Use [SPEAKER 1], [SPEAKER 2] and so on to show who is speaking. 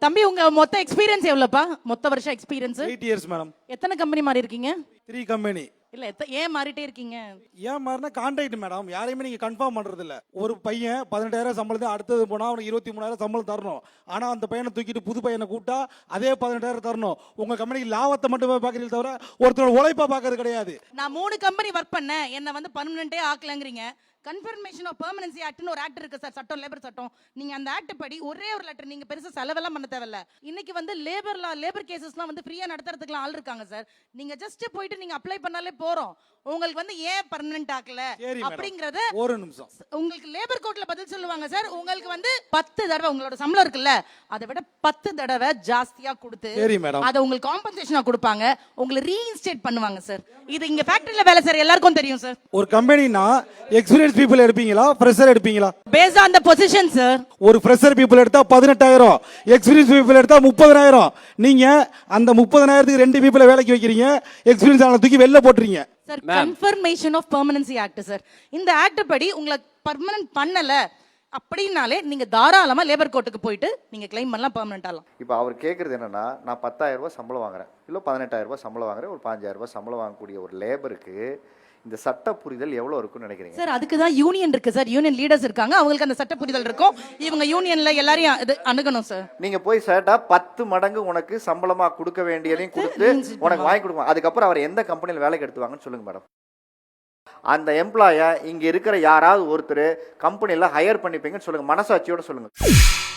[SPEAKER 1] தம்பி உங்க மொத்த எக்ஸ்பீரியன்ஸ் எவ்வளவுப்பா? மொத்த வருஷம் எக்ஸ்பீரியன்ஸ்
[SPEAKER 2] 8 years மேடம்.
[SPEAKER 1] எத்தனை கம்பெனி மாறி இருக்கீங்க?
[SPEAKER 2] 3 company.
[SPEAKER 1] இல்ல ஏன் மாறிட்டே இருக்கீங்க?
[SPEAKER 2] ஏன் மாறினா கான்ட்ராக்ட் மேடம், யாரையுமே நீங்க கன்ஃபார்ம் பண்றது இல்ல. ஒரு பையன் 18,000 சம்பளத்தை அடுத்தது போனா அவனுக்கு 23,000 சம்பளம் தரணும். ஆனா அந்த பையனை தூக்கிட்டு புது பையனை கூட்டா அதே 18,000 தரணும். உங்க கம்பெனிக்கு லாபத்தை மட்டுமே பாக்குறீங்க தவிர ஒருத்தரோட உழைப்பா பாக்குறது கிடையாது.
[SPEAKER 1] நான் 3 கம்பெனி ஒர்க் பண்ணேன், என்ன வந்து பர்மனெண்டே ஆக்கலங்கறீங்க. கன்ஃபர்மேஷன் ஆஃப் பெர்மனன்சி ஆக்ட்னு ஒரு ஆக்ட் இருக்கு சார், சட்டம், லேபர் சட்டம். நீங்க அந்த ஆக்ட் படி ஒரே ஒரு லெட்டர், நீங்க பெருசா செலவெல்லாம் பண்ண தேவையில்ல. இன்னைக்கு வந்து லேபர் கேசஸ்லாம் வந்து ஃப்ரீயா நடத்துறதுக்குலாம் ஆள் இருக்காங்க சார். நீங்க ஜஸ்ட் போயிட்டு நீங்க அப்ளை பண்ணாலே போறோம். உங்களுக்கு வந்து ஏன் பர்மனன்ட் ஆக்கல அப்படிங்கறது
[SPEAKER 2] ஒரு நிமிஷம்
[SPEAKER 1] உங்களுக்கு லேபர் கோர்ட்ல பதில் சொல்லுவாங்க சார். உங்களுக்கு வந்து 10 தடவை உங்களோட சம்பளம் இருக்குல்ல, அதை விட 10 தடவை ஜாஸ்தியா கொடுத்து அதை உங்களுக்கு காம்பன்சேஷனா கொடுப்பாங்க, உங்களை ரீஇன்ஸ்டேட் பண்ணுவாங்க சார். இது இங்க ஃபேக்டரியில வேலை சார், எல்லாருக்கும் தெரியும் சார்.
[SPEAKER 2] ஒரு கம்பெனினா எக்ஸ்பீரியன்ஸ் பீப்பிள் எடுப்பீங்களா, ஃப்ரெஷர் எடுப்பீங்களா?
[SPEAKER 1] Based on the position sir.
[SPEAKER 2] ஒரு ஃப்ரெஷர் பீப்பிள் எடுத்தா 18,000, எக்ஸ்பீரியன்ஸ் பீப்பிள் எடுத்தா 30,000. நீங்க அந்த 30,000க்கு 2 பீப்பிளை வேலைக்கு வைக்கிறீங்க, எக்ஸ்பீரியன்ஸ் ஆன தூக்கி வெளில போட்டுறீங்க
[SPEAKER 1] sir. Confirmation of permanency act sir. இந்த ஆக்ட் படி உங்களை பர்மனன்ட் பண்ணல அப்படினாலே நீங்க தாராளமா லேபர் கோர்ட்டுக்கு போயிட்டு நீங்க கிளைம் பண்ணலாம், பெர்மனன்ட் ஆகலாம்.
[SPEAKER 3] இப்போ அவர் கேட்குறது என்னன்னா, நான் 10,000 ரூபாய் சம்பளம் வாங்குறேன், இல்லை 18,000 ரூபாய் சம்பளம் வாங்குறேன், ஒரு 5,000 ரூபாய் சம்பளம் வாங்கக்கூடிய ஒரு லேபருக்கு இந்த சட்ட புரிதல் எவ்வளவு இருக்குன்னு நினைக்கிறீங்க
[SPEAKER 1] சார்? அதுக்கு தான் யூனியன் இருக்கு சார், யூனியன் லீடர்ஸ் இருக்காங்க, அவங்களுக்கு அந்த சட்ட புரிதல் இருக்கும். இவங்க யூனியன்ல எல்லாரையும் இது அணுகணும் சார்.
[SPEAKER 3] நீங்க போய் சேட்டா 10 மடங்கு உனக்கு சம்பளமா கொடுக்க வேண்டியதையும் கொடுத்து உனக்கு வாங்கி கொடுங்க. அதுக்கப்புறம் அவர் எந்த கம்பெனியில் வேலைக்கு எடுத்துவாங்கன்னு சொல்லுங்க மேடம். அந்த எம்ப்ளாயை இங்க இருக்கிற யாராவது ஒருத்தர் கம்பெனியில் ஹையர் பண்ணிப்பீங்கன்னு சொல்லுங்க, மனசாட்சியோட சொல்லுங்க.